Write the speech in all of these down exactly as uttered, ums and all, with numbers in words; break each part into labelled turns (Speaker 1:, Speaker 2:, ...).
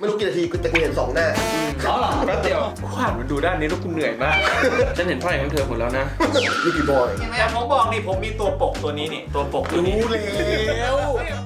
Speaker 1: ไม่รู้กี่นาทีแต่กูเห็นสองหน้า
Speaker 2: เขาหรอแป๊บเดียวขวานมันดูด้านนี้แล้วกูเหนื่อยมากฉันเห็นไพ่ของเธอหมดแล้วนะ
Speaker 1: ยูกิบอย
Speaker 3: แต่ผมบอกนี่ผมมีตัวปกตัวนี้นี่ตัวปกตัวนี้
Speaker 1: รู้แล้ว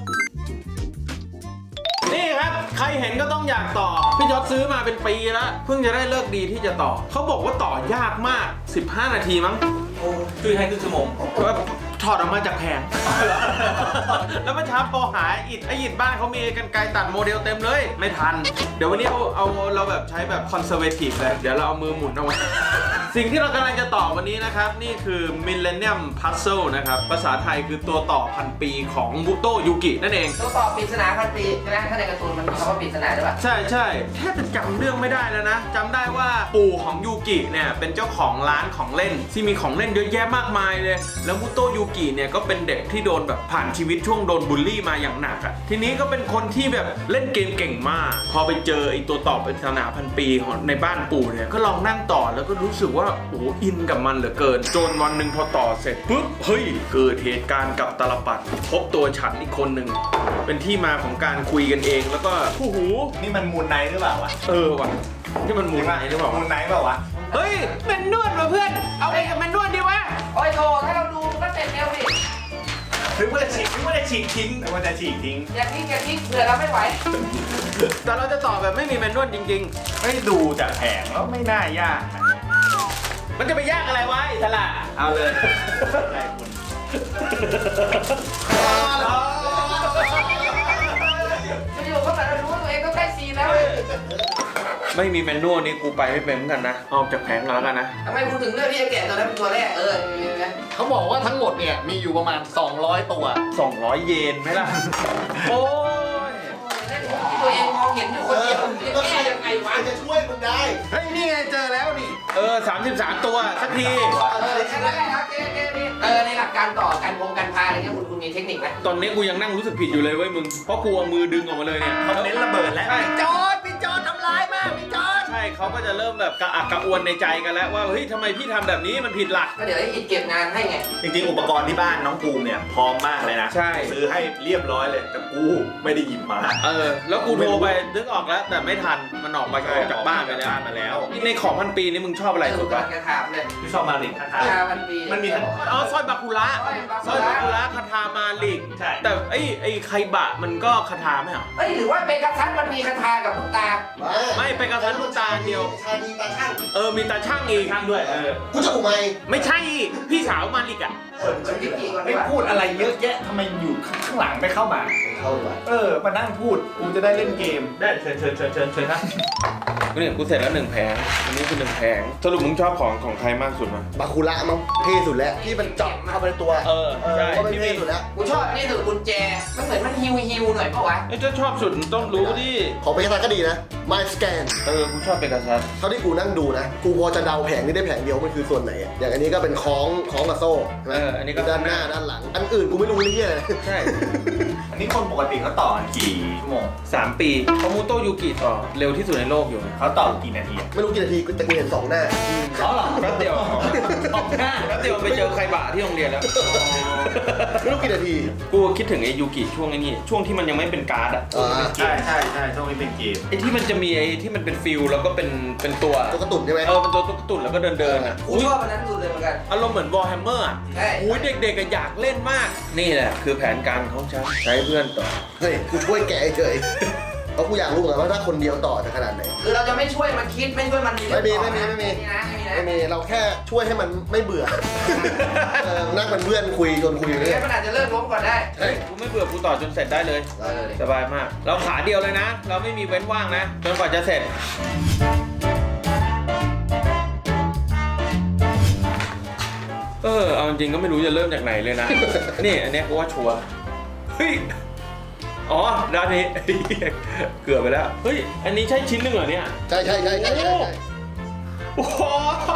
Speaker 2: นี่ครับใครเห็นก็ต้องอยากต่อพี่จอร์จซื้อมาเป็นปีแล้วเพิ่งจะได้เลิกดีที่จะต่อเขาบอกว่าต่อยากมากสิบห้านาทีมั้ง
Speaker 3: คือให้ครึ่งชั่วโมง
Speaker 2: ถอดออกมาจากแผงแล้วเมื่อเช้าพอหาอิดไออิดบ้านเขามีกันไกรตัดโมเดลเต็มเลยไม่ทันเดี๋ยววันนี้เอาเอาเราแบบใช้แบบคอนเซอร์เวทีฟเลยเดี๋ยวเราเอามือหมุนเอาไว้สิ่งที่เรากำลังจะต่อวันนี้นะครับนี่คือ Millennium Puzzle นะครับภาษาไทยคือตัวต่อพันปีของบุโตะยูกินั่นเอง
Speaker 4: ตัวต่อปริศนาพันปีใช่ไหมถ้าในการ์ตูนมันมีคำว่าปริศนาด้วยป่ะ
Speaker 2: ใช่ใช่แทบจะจำเรื่องไม่ได้แล้วนะจำได้ว่าปู่ของยูกิเนี่ยเป็นเจ้าของร้านของเล่นที่มีของเล่นเยอะแยะมากมายเลยแล้วบุโตะยูกิเนี่ยก็เป็นเด็กที่โดนแบบผ่านชีวิตช่วงโดนบูลลี่มาอย่างหนักอ่ะทีนี้ก็เป็นคนที่แบบเล่นเกมเก่งมากพอไปเจอไอ้ตัวต่อปริศนาพันปีของในบ้านปู่เนี่ยก็ลองนั่งต่อแล้วก็รู้สึกว่าโอ้อินกับมันเหลือเกินจนวันหนึ่งพอต่อเสร็จปุ๊บเฮ้ยเกิดเหตุการณ์กับตาลปัดพบตัวฉันอีกคนหนึ่งเป็นที่มาของการคุยกันเองแล้วก็โอ้โห
Speaker 3: นี่มันมูนไนท์หรือเปล่าวะ
Speaker 2: เออว่ะที่มันมูนไนท์หรือเปล่า
Speaker 3: มูนไนท์เปล่าวะ
Speaker 2: เฮ้ยแมนนวลว่ะเพื่อนเอาไปกับแมนนวลดีวะ
Speaker 4: โอ้ยโถถ้าเราดูก็เสร็จเร็วดิ
Speaker 3: ถึงว่าจะฉีกถึงว่าจะฉีกทิ้งถึงว่าจะฉีกทิ้ง
Speaker 4: อย่าทิ้งอย่าทิ้งเผื่อเราไม่ไหว
Speaker 2: แต่เราจะต่อแบบไม่มีแมนนวลจริง
Speaker 3: ๆไม่ดูจากแผงแล้วไม่น่ายาก
Speaker 2: มันจะไปยากอะไรวะอิสระ
Speaker 3: เอาเลย
Speaker 4: จะอยู่ก็แบบเรารู้ว่าตัวเองต้องได้ซีแล้ว
Speaker 2: ไม่มีแมนนวลนี่กูไปไม่เป็นเหมือนกันนะออกจากแผงแล้วกันนะ
Speaker 4: ทำไมคุณถึงเลือกที่จะแกะตัวนั้นเป็นตัวแรกเออ
Speaker 1: เขาบอกว่าทั้งหมดเนี่ยมีอยู่ประมาณสองร้อยตัว
Speaker 2: สองร้อยเยนไหมล่ะโอ้ย
Speaker 4: ตัวเองมองเห็นอยู่คนเดียวจะแก้ยังไงวะ
Speaker 1: จะช่วยมึงได้
Speaker 2: เฮ้ยนี่ไงเจอแล้วนี่เออสามสิบสามตัวสักที
Speaker 4: เออใช่แล้วครับเก้ๆนี่เออในหลักการต่อการวงการพาอะไรเงี้ยคุณคุณมีเทคนิคไหม
Speaker 2: ตอนนี้กูยังนั่งรู้สึกผิดอยู่เลยเว้ยมึงเพราะกูเอามือดึงออกมาเลยเนี่ย
Speaker 3: เขาเน้นระเบิดแล้ว
Speaker 4: พี่จอร์จพี่จอร์จทำร้ายมากพี่จอร์จ
Speaker 2: ใช่เขาก็จะเริ่มแบบกระอักกระอ่วนในใจกันแล้วว่าเฮ้ยทำไมพี่ทำแบบนี้มันผิดหลัก
Speaker 4: ก็เดี๋ยวให้อิดเก็บงานให้ไง
Speaker 3: จริงๆอุปกรณ์ที่บ้านน้องภูมิเนี่ยพร้อมมากเลยนะ
Speaker 2: ใช่
Speaker 3: ซื้อให้เรียบร้อยเลยแต่กูไม่ได้หยิบมา
Speaker 2: เออแล้วกูโทรไปนึกออกแล้วแต่ไม่ทันมันออกไปจากบ้านไปแล้ว
Speaker 3: มาแล้ว
Speaker 2: ในของพันปีนี่มึงชอบอะไรสุดวะ
Speaker 4: แกถามเลย
Speaker 3: พี่ชอบมาลิกคาถา
Speaker 4: พันปี
Speaker 3: มันมี
Speaker 2: อ๋อสร้อยบาคุระสร้อยบาคุระคาถามาลิกแต่ไอ้ไอ้ไคบะมันก็คาถาไม่เหรอ
Speaker 4: เอ้ยหรือว่าเป็นกระทันมันมีคาถากับลูกตา
Speaker 2: ไม่เป็นกระทันลูกตาเดียว
Speaker 1: ชาดีตาช่าง
Speaker 2: เออมีตาช่างอีก
Speaker 3: ช่างด้วยเออ
Speaker 1: กูจะกูไหม
Speaker 2: ไม่ใช่พี่สาวมาลิกอ่ะ
Speaker 3: ไม่พูดอะไรเยอะแยะทำไมอยู่ข้างหลังไม่เข้ามา
Speaker 1: เข้ามา
Speaker 3: เออมานั่งพูดกูจะได้เล่นเกมได้เชิญเชิญเชิญเชิญเชิญนะ
Speaker 2: เนี่ยกูเสร็จแล้วหนึ่งแผงอันนี้คือหนึ่งแผงสรุปมึงชอบของของใครมากสุดมั้ย
Speaker 1: บาคุระมั้งเท่สุดแล้วที่มันเจาะเข้าไปในตัว
Speaker 2: เออใช่
Speaker 1: ที่เท่สุดแล้ว
Speaker 4: กูชอบนี่สุดกุญแจมันเหมือนมันฮิวฮิวหน่อยปะวะ
Speaker 2: ไอ้เจ้าชอบสุดต้องรู้ดิ
Speaker 1: ของเปกาซัสก็ดีนะ My Scan
Speaker 2: เออกูชอบเปกาซัส
Speaker 1: เท่าที่กูนั่งดูนะกูพอจะเดาแผงนี้ได้แผงเดียวมันคือส่วนไหนอ่ะอย่างอันนี้ก็เป็นคล้องคล้องกับโซ่ใช่ไหม
Speaker 2: อันนี้ก็
Speaker 1: ด้านหน้าด้านหลังอันอื่นกูไม่รู้เลยเนี่ย
Speaker 2: ใช่
Speaker 3: อันนี้คนปกติเขาต่อกี่ชั่วโมง
Speaker 2: สามปีเพราะมูโตะยูกิต่อเร็วที่สุดในโลกอยู่
Speaker 3: เขาต่อกี่นาที
Speaker 1: ไม่รู้กี่นาทีแต่กูเห็นสองหน้า
Speaker 3: เขาหรอ
Speaker 2: แป๊บเดียวสองหน้าแป๊บเดียวไปเจอใครบ่าที่โรงเรียนแล้ว
Speaker 1: ไม่รู้กี่นาที
Speaker 2: กูคิดถึงไอ้ยูกิช่วงไอ้นี่ช่วงที่มันยังไม่เป็นการ์ดอ่ะ
Speaker 3: ใช่ใช่ใช่ช่วงนี้เป็นเกม
Speaker 2: ไอ้ที่มันจะมีไอ้ที่มันเป็นฟิลแล้วก็เป็นเป็นตัว
Speaker 1: ตัวกระตุ่นใช่ไหม
Speaker 2: เออเป็นตัวตุ๊กตุ่นแล้วก็เดินเดินอ่ะ
Speaker 4: กูชอบอันนั้นสุดเลยเหมือนกัน
Speaker 2: อารมณ์เหมือนวอลแฮมเมอร์อ่ะอุ้ยเด็กๆอยากเล่นมากนี่แหละคือแผนการของฉันใช้เพื่อนต่อ
Speaker 1: เฮ้ยกูช่วยแกะเฉยเพราะกูอยากรู้เหมือนกันว่าถ้าคนเดียวต่อจะขนาดไหน
Speaker 4: คือเราจะไม่ช่วยมันคิดไม่ช่วยมัน
Speaker 1: ไม่มีไม่มีไม่มีไม่มีเราแค่ช่วยให้มันไม่เบื่อนั่งเป็นเพื่อนคุยจนคุยเลย
Speaker 4: มันอาจจะเลิกล้มก่อนได้
Speaker 2: เฮ้ยกูไม่เบื่อกูต่อจนเสร็จได้เลยสบายมากเราขาเดียวเลยนะเราไม่มีเว้นว่างนะจนกว่าจะเสร็จเออเอาจริงก็ไม่รู้จะเริ่มจากไหนเลยนะนี่อันนี้กูว่าชัวร์เฮ้ยอ๋อด้านนี้เกือบไปแล้วเฮ้ยอันนี้ใช่ชิ้นหนึ่งเหรอเนี่ย
Speaker 1: ใช่ใช่ใช่ใช่ใช่
Speaker 2: โอ้โห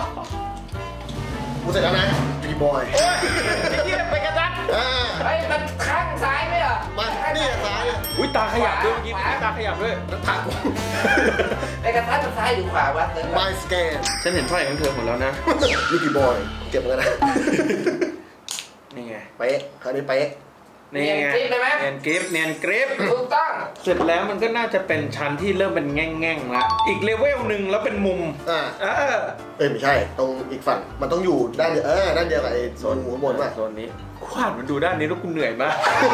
Speaker 1: กูเสร็จแล้วนะบีบอย
Speaker 2: โอ้ยไอ้เหี้ยไปกระดัก
Speaker 4: ไอ้มันข้างซ้ายไหมอ่ะ
Speaker 1: มานี่ซ้าย
Speaker 2: อุ้ยตาขยับด้วยเมื่อกี้ตาขยับด้วย
Speaker 1: แล้วถัก
Speaker 4: ไปกระดักซ้ายหรือขวาวะ
Speaker 1: My Scan
Speaker 2: ฉันเห็นไพ่ของเธอหมดแล้วนะ
Speaker 1: ยูกิบอยเก็บกันนะ
Speaker 2: นี่ไง
Speaker 1: เป๊ะคราวนี้เป๊ะ
Speaker 2: นี่ไง
Speaker 4: เนียนกริปเลยไหม
Speaker 2: เนียนกริปเนียนกริป
Speaker 4: ถูกต้อง
Speaker 2: เสร็จแล้วมันก็น่าจะเป็นชั้นที่เริ่มเป็นแง่งๆละอีกเลเวลหนึ่งแล้วเป็นมุม
Speaker 1: อ่า
Speaker 2: เออ
Speaker 1: เอ้ยไม่ใช่ตรงอีกฝั่งมันต้องอยู่ด้านเดียวเออด้านเดียวกับไอ้โซนหัวบนป่ะ
Speaker 2: โซนนี้ขวาดมันดูด้านนี้แล้วกูเหนื่อยมาก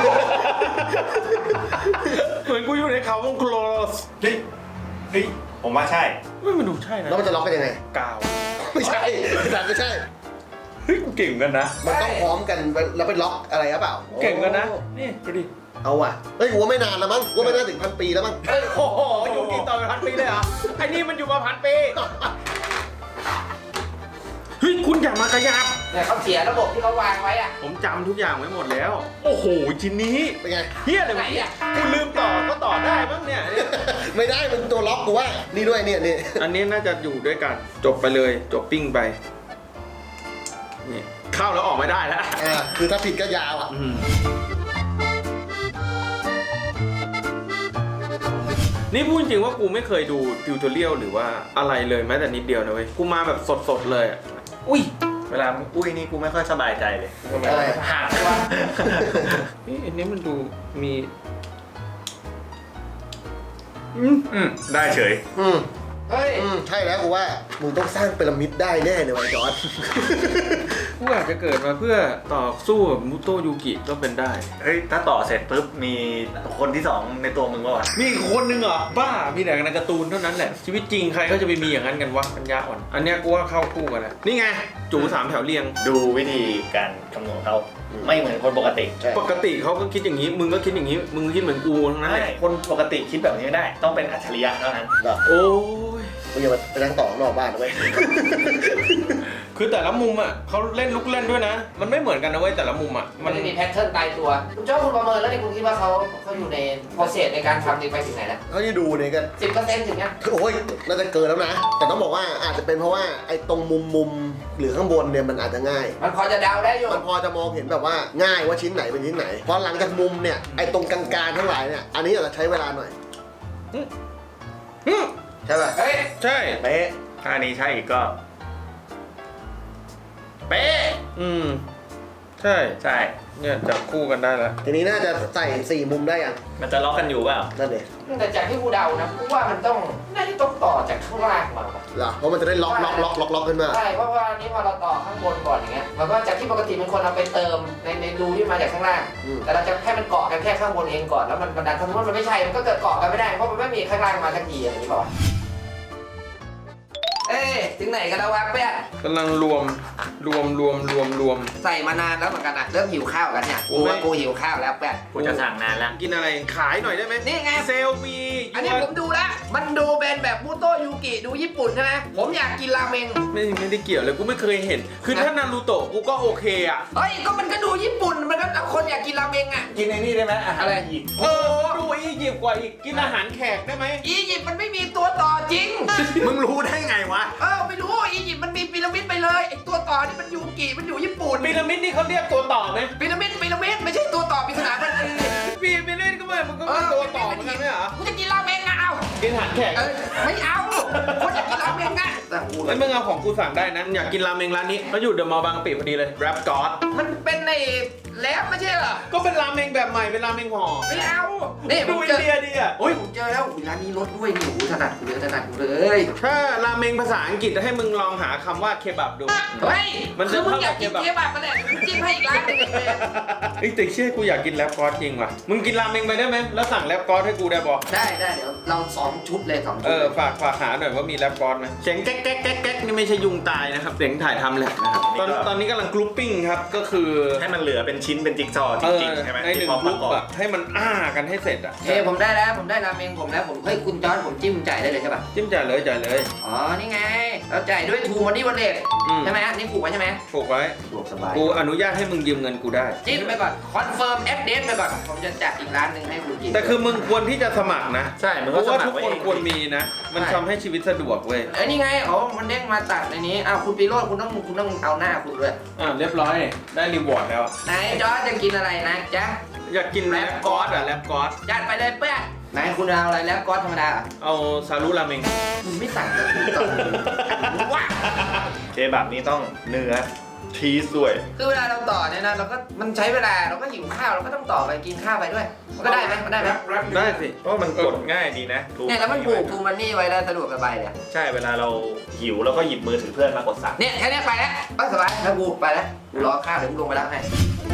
Speaker 2: เหมือนกูอยู่ในเขาวงโคลส
Speaker 3: เฮ้ยเฮ้ยผมว่าใช่
Speaker 2: ไม่มันดูใช่นะ
Speaker 1: แล้วมันจะล็อกกันยังไง
Speaker 2: กาว
Speaker 1: ไม่ใช่แต่ไม่ใช่
Speaker 2: เฮ้ยกูเก่งกันนะ
Speaker 1: มันต้องพร้อมกันแล้วไปล็อกอะไรหรือเปล่า
Speaker 2: เก่งกันนะนี่ดูดิ
Speaker 1: เอาว่ะเฮ้ยกูว่าไม่นานแล้วมั้งกูว่าไม่น่าถึงพันปีแล้วมั้ง
Speaker 2: โอ้โหอยู่กี่ต่อเป็นพันปีเลยเหรอไอ้นี่มันอยู่มาพันปีเฮ้ยคุณอย่ามากระยับ
Speaker 4: เนี่ยเขาเสียระบบที่เขาวางไว้อะ
Speaker 2: ผมจำทุกอย่างไว้หมดแล้ว โอ้โหชิ้นนี้
Speaker 1: เป็นไง
Speaker 2: เฮียอะไรวะเนี่ยกูลืมต่อก็ต่อได้บ้างเนี่ย
Speaker 1: ไม่ได้มันตัวล็อกกูว่านี่ด้วยเนี่ยนี่
Speaker 2: อันนี้น่าจะอยู่ด้วยกันจบไปเลยจบปิ้งไปนี่เข้าแล้วออกไม่ได้แล้ว
Speaker 1: อ่าคือถ้าผิดก็ยาวอ่ะ
Speaker 2: อืมนี่พูดจริงว่ากูไม่เคยดูทิวทอเรียลหรือว่าอะไรเลยแม้แต่นิดเดียวนะเว้ยกูมาแบบสดๆเลยอะอุ้ย
Speaker 3: เวลามึงอุ้ยนี่กูไม่ค่อยสบายใจเลย
Speaker 1: อะไร
Speaker 3: หักว่า
Speaker 2: นี่อันนี้มันดูมีอืม
Speaker 3: อืมได้เฉย
Speaker 1: อืม
Speaker 4: เฮ้ย
Speaker 1: อืมใช่แล้วกูว่ามึงต้องสร้างพีระมิดได้แน่เลยว่ะจอร์ด
Speaker 2: กูอาจจะเกิดมาเพื่อต่อสู้กับมุโตะยูกิก็เป็นได้
Speaker 3: เฮ้ยถ้าต่อเสร็จปุ๊บมีคนที่สองในตัวมึงก็วะ
Speaker 2: มีอีกคนนึงเหรอบ้ามีแต่ในการ์ตูนเท่านั้นแหละชีวิตจริงใครก็จะไปมีอย่างนั้นกันวะปัญญาอ่อนอันเนี้ยกูว่าเข้าคู่กันแล้วนี่ไงจูสามแถวเรียง
Speaker 3: ดูวิธีการคำนวณเขาไม่เหมือนคนปกติ
Speaker 1: ใช่
Speaker 2: ปกติเขาก็คิดอย่างนี้ มึงก็คิดอย่างนี้ มึงคิดเหมือนกูทั้งนั้น
Speaker 3: ไม่
Speaker 2: แหละ
Speaker 3: คนปกติคิดแบบนี้ไม่ได้ ต้องเป็นอัจฉริยะเท่านั้น
Speaker 1: เหรอ
Speaker 2: โอ้ย
Speaker 1: มึงอย่าไปนั่งต่อข้างนอกบ้านนะเว้ย
Speaker 2: คือแต่ละมุมอ่ะเขาเล่นลุกเล่นด้วยนะ มันไม่เหมือนกันนะเว้ยแต่ละมุมอ่ะ
Speaker 4: มั
Speaker 2: มัน น
Speaker 4: จะมีแพทเทิร์นตายตัว คุณเจ้าคุณประเมินแล้วนี่คุณคิดว่าเขาเขาอยู่ในโปรเซสในการทำนี่ไปถึงไหนแล้ว
Speaker 1: เขาที่ดูเนี่ยกัน
Speaker 4: สิบเปอร์เซ็นต์ถึงยัง
Speaker 1: โอ้ยน่าจะเกินแล้วนะ แต่ต้องบอกว่าอาจจะเป็นเพราะว่าไอ้ตรงมุมมุมหรือข้างบนเนี่ยมันอาจจะง่าย
Speaker 4: มันพอจะเดาได้อยู่
Speaker 1: มันพอจะมองเห็นแบบว่าง่ายว่าชิ้นไหนเป็นชิ้นไหนพอหลังจากมุมเนี่ยไอ้ตรงกลางๆทั้งหลายเนี่ยอันนี้อาจจะใช้เวลาหน่อย
Speaker 2: อืม
Speaker 1: ใช่ป่ะ
Speaker 4: เฮ้ย
Speaker 2: ใช่
Speaker 1: เป๊ะ
Speaker 3: ถ้าอันนี้ใช่อีกก็
Speaker 1: เป๊ะ
Speaker 2: อืมใช่
Speaker 3: ใช่
Speaker 2: เนี่ยจับคู่กันได้แล้ว
Speaker 1: ทีนี้น่าจะใส่สี่มุมได้ยัง
Speaker 3: มันจะล็อกกันอยู่เปล่า
Speaker 1: นั่นเอง
Speaker 4: แต่จากที่กูเดานะกูว่ามันต้องน่าจะต้องต่อจากข้างล่างมาว่ะ
Speaker 1: เหรอเพราะมันจะได้ล็อกล็อกล็อกล็อกล็อกขึ้นมา
Speaker 4: ใช่เพราะว่าอันนี้พอเราต่อข้างบนก่อนอย่างเงี้ยมันก็จากที่ปกติมันควรเอาไปเติมในในรูที่มาจากข้างล่าง
Speaker 1: อืม
Speaker 4: แต่เราจะให้มันเกาะกันแค่ข้างบนเองก่อนแล้วมันบันดันสมมติว่ามันไม่ใช่มันก็เกิดเกาะกันไม่ได้เพราะมันไม่มีข้างล่างมาสักทีอะไรอย่างนี้เปล่าวะเอ้ยถึงไหนกันแล้ววะเปี้ย
Speaker 2: กำลังรวมรวมรวมรวมรวม
Speaker 4: ใส่มานานแล้วเหมือนกันอะเริ่มหิวข้าวกันเนี่ยกูว่ากูหิวข้าวแล้วเปี้ย
Speaker 3: กูจะสั่งนานแล้ว
Speaker 2: กินอะไรขายหน่อยได้ไหม
Speaker 4: นี่ไง
Speaker 2: เซลมี
Speaker 4: อันนี้ผมดูแล้วมันดูเป็นแบบมูโตะยูกิดูญี่ปุ่นใช่ไหมผมอยากกินราเมง
Speaker 2: ไม่ไม่ได้เกี่ยวเลยกูไม่เคยเห็น คือถ้านารูโตะกูก็โอเคอ่ะ
Speaker 4: เฮ้ยก็มันก็ดูญี่ปุ่นมันก็คนอยากกินราเมงอะ
Speaker 3: กินไอ้นี่ได้ไหมอาหาร
Speaker 4: อะไร
Speaker 3: อีก
Speaker 2: เออดูอียิปต์กว่าอีกกินอาหารแขกได้ไหม
Speaker 4: อียิปต์มันไม่มีตัวต่อจริง
Speaker 3: มึงรู้ได้ไงวะ
Speaker 4: เออไม่รู้อียิปต์มันมีพีระมิดไปเลยไอตัวต่อนี่มันยูกิมันอยู่ญี่ปุ่น
Speaker 2: พีระมิดนี่เขาเรียกตัวต่อไหม
Speaker 4: พีระมิดพีระมิดไม่ใช่ตัวต่อปริศนาทันที
Speaker 2: พีระมิดก็ไม่มันก็เป็นตัวต่อเหมือนกันไหมเหรอ
Speaker 4: กูจะกินราเมงอะเอา
Speaker 2: กินอาหารแขก
Speaker 4: เออไม่เอาคนอยากกินราเมงอะแต่กู
Speaker 2: ไอ้ยมึงเอาของกูสั่งได้นะอยากกินราเมงร้านนี้เขาอยู่เดอะมอลล์บางกะปิพอดีเลยแรปกอด
Speaker 4: มันเป็นในแล็บไม่ใช่เหรอ
Speaker 2: ก็เป็นราเมงแบบใหม่เป็นราเมงห่อ
Speaker 4: ไม่เอานี่ผ
Speaker 2: ดู
Speaker 4: ม
Speaker 2: อิ
Speaker 4: เจ
Speaker 2: น
Speaker 4: อ
Speaker 2: เดียดีอ่ะ
Speaker 4: โอ้ยผมเจอแล้วอุ๊ยร้านนี้รสด้วยนี่โอ้โหถนัดกูเลยถนัดกูเลย
Speaker 2: ถ้าราเมงภาษาอังกฤษให้มึงลองหาคำว่าเคบับดู
Speaker 4: เฮ้ย
Speaker 2: มันจะ
Speaker 4: คือมึงอยาก
Speaker 2: เข้ากับ
Speaker 4: กิน
Speaker 2: เค
Speaker 4: เค
Speaker 2: บับ
Speaker 4: บับมาแหละมึงจิ้มให้อีกร้านหนึงเลย
Speaker 2: เอ้ยแต่เชื่อกูอยากกินแรปกอดจริงว่ะมึงกินราเมงไปได้ไหมแล้วสั่งแรปกอดให้กูได้บอก
Speaker 4: ได้ได้เดี๋ยวเราสองชุดเลยสองชุ
Speaker 2: เอ
Speaker 4: ด
Speaker 2: อฝากฝากหาหน่อยว่ามีแรปกอดไหมเสียงแก๊กแก๊กแก๊กแก๊กนี่ไม่ใช่ยุงตายนะครับเสียงถ่ายทำแหละนะครับตอนตอนนี้กำลังกรุ๊ปปิ้งครับก็คือ
Speaker 3: ให้มันเหลือเป็นชิ้นเป็นจิ๊กซอว์จ
Speaker 2: เออ
Speaker 3: ริงๆใช่ไหม
Speaker 2: ในหนึ่ง
Speaker 3: ที่พ
Speaker 2: ก
Speaker 3: ป
Speaker 2: รุ๊
Speaker 3: ระ
Speaker 2: ป
Speaker 3: กอบ
Speaker 2: อะให้มันอ้ากันให้เสร็จอะ
Speaker 4: เอ้ยผมได้แล้วผมได้ราเมงผมแล้วผมเฮ้ยคุณจอร์ดผมจิ้มจ่ายได้เลยใช่ป่ะ
Speaker 2: จิ้มจ่ายเลยจ่ายเลย
Speaker 4: อ๋อนี่ไงเราจ่ายด้วยทูมันนี่วันเด็ก
Speaker 2: อืม
Speaker 4: ใช่ไหมนี่ผูกไว้ใช่ไหม
Speaker 2: ผูกไว้
Speaker 4: ผูกสบาย
Speaker 2: กูอนุญาตให้มึงยืมเงินกูได้
Speaker 4: จิ้มไปก่อนคอนเฟิร์มแอดเดสไปก่อนผมจะจัดอีกร้านหนึ่งให้คุณกิน
Speaker 2: แต่คือมึงควรที่จะสมัครนะ
Speaker 3: ใช่มึง
Speaker 2: เพ
Speaker 3: ก็
Speaker 2: ราะ
Speaker 3: ส
Speaker 2: ว่า
Speaker 3: มัค
Speaker 2: ทุ
Speaker 3: ร
Speaker 2: ก
Speaker 3: ไว้
Speaker 2: คน
Speaker 3: เอง
Speaker 2: ควรมีนะ มันทำให้ชีวิตสะดวกเว้ย
Speaker 4: เอ้ยนี่ไงอ๋อมันเด้งมาตัดในนี้อ้าวคุณปีโรจน์คุณต้องคุณต้องเอาหน้าคุณด้วย
Speaker 2: อ่าเรียบร้อยได้รีวอร์ดแล้ว
Speaker 4: ไหนจอร์ดจะกินอะไรนะจ๊ะ
Speaker 2: อยากกินแรปกอดอะแรปกอด
Speaker 4: จัดไปเลยเพื่อนไหนคุณเอาอะไรแล้วก๊อตธรรมดาเหรอ
Speaker 2: เอาซารุราเมง
Speaker 4: มึงไม่สั่งกับกูก่อนว้า
Speaker 3: เคบับนี้ต้องเนื้อชีสด้วย
Speaker 4: คือเวลาเราต่อเนี่ยนะเราก็มันใช้เวลาเราก็หิวข้าวเราก็ต้องต่อไปกินข้าวไปด้วยมันก็ได้ไหมมันได้ไหม
Speaker 2: ได้สิ
Speaker 3: เพราะมันกดง่ายดีนะ
Speaker 4: เนี่ยแล้วมันผูกทูมันนี่ไว้ได้สะดวกสบายเลย
Speaker 3: ใช่เวลาเราหิวเราก็หยิบมือถือเพื่อนมากดสั่ง
Speaker 4: เนี่ยแค่นี้ไปแล้วไปสบายถ้ากูไปแล้วกูรอข้าวเดี๋ยวกูลงไปรับให้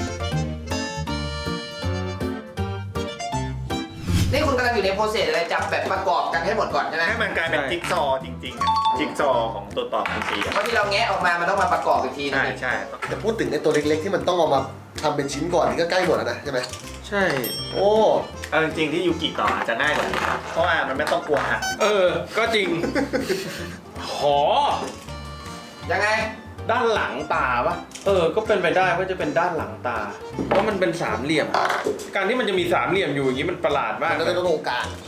Speaker 4: นี่คุณกำลังอยู่ในโปรเซสอะไรจับแบบประกอบกันให้หมดก่อนใช่ไหม
Speaker 3: ให้มันกลายเป็นจิ๊กซอว์จริงๆอะจิ๊กซอว์ของตัวต่อพีซีอะ
Speaker 4: เพราะที่เราแงะออกมามันต้องมาประกอบอีกทีนึ
Speaker 3: ใช่
Speaker 4: ง
Speaker 3: ใช่
Speaker 1: แต่พูดถึงไอ้ตัวเล็กๆที่มันต้องเอามาทำเป็นชิ้นก่อนนี่ก็ใกล้หมดแล้วนะใช่ไหม
Speaker 2: ใช่
Speaker 1: โอ้
Speaker 3: เอาจริงๆที่ยูกิต่ออาจจะง่ายกว่านี้ครับเพราะว่ามันไม่ต้องกลัวหัก
Speaker 2: เออ ก็จริง หอ
Speaker 4: ยังไง
Speaker 2: ด้านหลังตาปะเออ ก็เป็นไปได้ว่าจะเป็นด้านหลังตา เพราะมันเป็นสามเหลี่ยม การที่มันจะมีสามเหลี่ยมอยู่อย่างนี้มันประหลาดมาก
Speaker 1: มันก็จะต้องโอกาส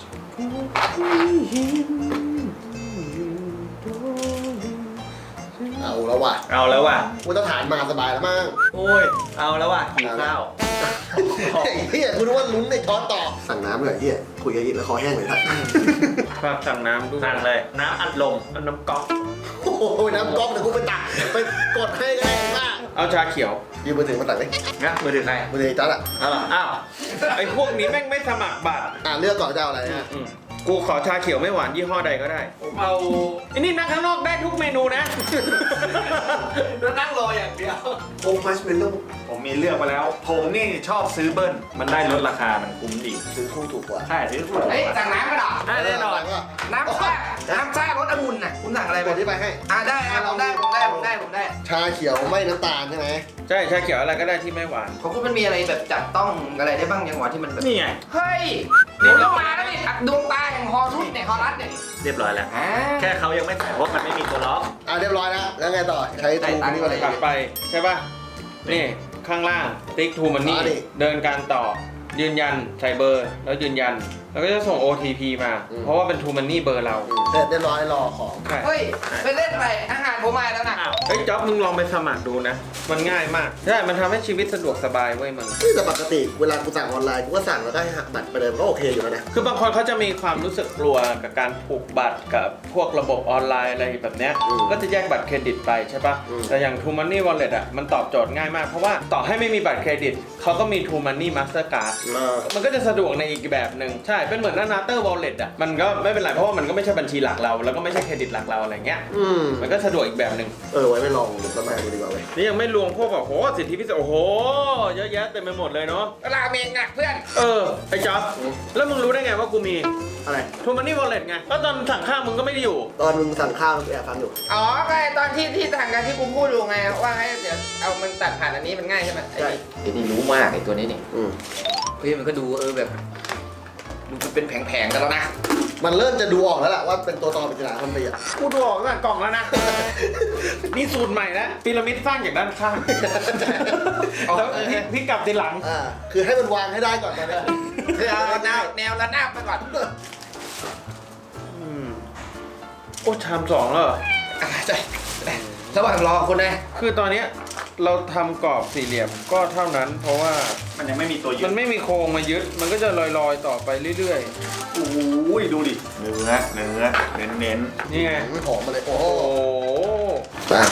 Speaker 1: เอาแล้วว่ะ
Speaker 3: เอาแล้วว่ะ
Speaker 1: มาตรฐานมาสบายแล้วมั้ง
Speaker 3: โอ้ยเอาแล้วว่ะหิวข้าว
Speaker 1: ไอ้เหี้ยคุณนึกว่าลุ้นในช้อนต่อสั่งน้ำเลยไอ้เหี้ยคุยกับอีกแล้วคอแห้งเลยครับ
Speaker 2: ฝากสั่งน้ำด้วย
Speaker 3: สั่งเลยน้ำอัดลมเอาน้ำก๊อก
Speaker 1: โอ้โหน้ำก๊อกเดี๋ยวกูไปตักไปกดให้ก็ได้มาก
Speaker 2: เอาชาเขียว
Speaker 1: ยืมมือถือมาตักดิ
Speaker 3: นะมือถือใคร
Speaker 1: มือถือจัดอ่ะ
Speaker 3: เอาเหรออ้าว
Speaker 2: ไอ้พวกนี้แม่งไม่สมัครบัตร
Speaker 1: อ่าเลือกก่อนจะเอาอะไรฮะ
Speaker 2: อืมกูขอชาเขียวไม่หวานยี่ห้อใดก็ได้
Speaker 3: ผมเอา
Speaker 2: ไอ้นี่นั่งข้างนอกได้ทุกเมนูนะ
Speaker 3: แล้วนั่งรออย่างเดียว
Speaker 1: โอ้มัชเมลโล่
Speaker 3: ผมมีเลือกมาแล้ว ผมนี่ชอบซื้อเบิ้ลมันได้ลดราคามันคุ้มดี
Speaker 1: ซื้อคู่ถูกกว่า
Speaker 3: ใช่ซื้อถูก
Speaker 4: เฮ้ยสั่งน้ำกันเหรอ
Speaker 3: ได้แน่นอน
Speaker 4: น้ำซ่าน้ำซ่ารสองุ่นน่ะคุณสั่งอะไร
Speaker 1: ก
Speaker 4: ไป
Speaker 1: ดที่ไปให้
Speaker 4: อ่าได้อ่ะผมได้ผมได้ผมได้ผมได้
Speaker 1: ชาเขียวไม่น้ำตาลใช่ไหม
Speaker 2: ใช่ชาเขียวอะไรก็ได้ที่ไม่หวาน
Speaker 4: ของคุณมันมีอะไรแบบจับต้องอะไรได้บ้างยังหวะที่มันแบบ
Speaker 3: นี่ไง
Speaker 4: เฮ้ยนี่ต้องมาแล้วนี่ดวงตาแห่งฮอรุสเนี่ยฮอรัสเนี่ย
Speaker 3: เรียบร้อยแล้ว
Speaker 4: อ่า
Speaker 3: แค่เขายังไม่ใส่เพราะมันไม่มีตัวล็อก
Speaker 1: อ่าเรียบร้อยแล้วแล้วไงต่อใช้ทูมันนี่อะไร
Speaker 2: ถัดไปใช่ป่ะ นี่ข้างล่างติ๊กทูมันนี่
Speaker 1: อ๋อนี่
Speaker 2: เดินการต่อ ยืนยันใส่เบอร์ แล้วยืนยัน แล้วก็จะส่ง โอ ที พี มา
Speaker 1: อืม
Speaker 2: เพราะว่าเป็นทูมันนี่เบอร์เรา
Speaker 1: เสร็จเรียบร้อยรอของ
Speaker 2: ใช่
Speaker 4: เฮ้ยไปเล่นอะไรอาหารผมมาแล้วนะ
Speaker 3: อ้าว
Speaker 2: เฮ้ยจ๊อบมึงลองไปสมัครดูนะ มันง่ายมาก ใช่ มันทำให้ชีวิตสะดวกสบายเว้ยมึง
Speaker 1: นี่แต่ปกติเวลากูสั่งออนไลน์กูก็สั่งแล้วได้หักบัตรไปเลยมันก็โอเคอยู่แล้วนะ
Speaker 2: คือบางคนเขาจะมีความรู้สึกกลัวกับการผูกบัตรกับพวกระบบออนไลน์อะไรแบบเนี้ย
Speaker 1: อืม
Speaker 2: ก็จะแยกบัตรเครดิตไปใช่ปะ
Speaker 1: อืม
Speaker 2: แต่อย่าง True Money Wallet อ่ะ มันตอบโจทย์ง่ายมาก เพราะว่าต่อให้ไม่มีบัตรเครดิต เขาก็มี True Money Mastercard
Speaker 1: เออ
Speaker 2: มันก็จะสะดวกในอีกแบบหนึ่งใช่ เป็นเหมือนหน้า Nater Wallet อ่ะ มันก็ไม่เป็นไร เพราะว่ามันก็ไม่ใช่บัญชีหลักเรา แล้วก็ไม่ใช่เครดิตหลักเราอะไรเงี้ย
Speaker 1: อืม
Speaker 2: มันก็สะดวกอีกแบบหนึ่ง
Speaker 1: เออไว้ไม่ลองสมัครดูดีกว่าเว้ย
Speaker 2: นี่ยังไม่รวมพวกแบบโหสิทธิพิเศษ โอ้โห เยอะแยะเต็มไปหมดเลยเนาะ
Speaker 4: ราเมงอ่ะเพื่อน
Speaker 2: เออ ไอ้จ๊อบแล้วมึงรู้ได้ไงว่ากูมี
Speaker 1: อะไร
Speaker 2: True Money Wallet ไงก็ตอนสั่งข้าวมึงก็ไม่ได้อยู่
Speaker 1: ตอนมึงสั่งข้าวแอบฟังอยู่
Speaker 4: อ๋อไงตอนที่ที่ทางการที่กูพูดดูไงว่าให้เดี๋ยวเอามันตัดผ่านอันนี้มันง่ายใช่ไหมไอ้นี่ไอ้นี่รู้มากไอ้ตัวนี้นี่
Speaker 1: อืม
Speaker 4: เฮ้ยมันก็ดูเออแบบดูเป็นแผงๆกันแล้วนะ
Speaker 1: มันเริ่มจะดูออกแล้วล่ะว่าเป็นตัวตอเป็นจราคนไปอ่ะ
Speaker 2: กูดูออกตั้งแต่กล่องแล้วนะ นี่สูตรใหม่นะพีระมิดสร้างจากด้านข้าง แล้วพลิกพลิกกลับทีหลัง
Speaker 1: อ่าคือให้มันวางให้ได้ก่อนตอนนี้
Speaker 4: คือเอาแนวแนวระนาบไปก่อน
Speaker 2: อืมโอ้ชามสองแล้วเหรอ
Speaker 4: อ่ะใช่ระหว่างรอคุณนะ
Speaker 2: คือตอนเนี้ยเราทำกรอบสี่เหลี่ยมก็เท่านั้น เพราะว่า
Speaker 3: มันยังไม่มีตัวยึ
Speaker 2: มั
Speaker 3: ด
Speaker 2: นไม่มีโครงมายึด มันก็จะลอยๆต่อไปเรื่อย
Speaker 3: โอ้ยดูดิ เนื้อ เนื้อ เน้นเน้น
Speaker 2: ๆ นี่ไง
Speaker 1: ไม่หอมมาเลยโอ้โห
Speaker 2: โอ้โห
Speaker 1: อ่ะ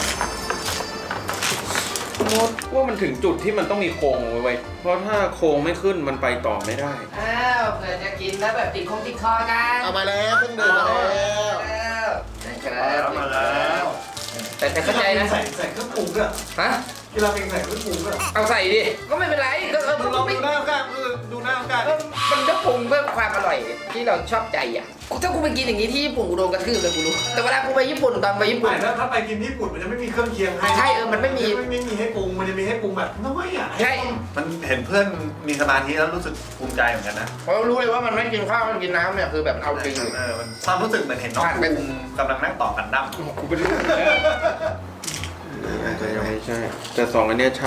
Speaker 2: มดว่ามันถึงจุดที่มันต้องมีโครงไว้ไว้เพราะถ้าโครงไม่ขึ้นมันไปต่อไม่ได้
Speaker 4: อ้าวเผื่อจะกินแล้วแบบติดคงติดคอกัน
Speaker 1: เอามาแล้วเพิ่งเดินมาแล้ว
Speaker 4: แล้วนะครับ
Speaker 3: มาแล้ว
Speaker 4: แต่แต่เข้าใจนะ
Speaker 5: ใส่ใส่เครื่องปรุงด้วย
Speaker 4: ฮะ
Speaker 5: กีฬาเป็นใส่เครื่องปรุงด้วย
Speaker 4: เอาใส่ดิ ก็ไม่เป็นไร ก็เออมัน
Speaker 5: ลอง
Speaker 4: ไม่
Speaker 5: ดูหน้ากันดูหน้ากัน
Speaker 4: เออมันก็ปรุงเพื่อความอร่อยที่เราชอบใจอ่ะถ้ากูไปกินอย่างนี้ที่ญี่ปุ่นกูโดนกระทืบเลยกูรู้ แต่เวลากูไปญี่ปุ่นตอนไปญี่ปุ่น
Speaker 5: ไม่ถ้าถ้าไปกินญี่ปุ่นมันจะไม่มีเครื่องเคียงให้
Speaker 4: ใช่เออมันไม่มี
Speaker 5: ไม่ไม่มีให้ปรุงมันจะมีให้ปรุงแบบน้อยอ่ะ
Speaker 4: ใช่
Speaker 3: มันเห็นเพื่อนมีสมาธิแล้วรู้สึกภูมิใจเหมือนกันนะ
Speaker 4: เพราะรู้เลยว่ามันไม่กินข้าวมันกินน้ำเนี่ยคือแบบเอาจริงอยู่
Speaker 3: เออมันความรู้สึกเหมือนเห็นน้อง
Speaker 4: ผ่านไป
Speaker 3: ภูมิกำลังนั่งต่อกันดั้ม
Speaker 2: กูเป็นลูกแล้วอาจจะยังไม่ใช่ แต่สองอันเนี้ยใช่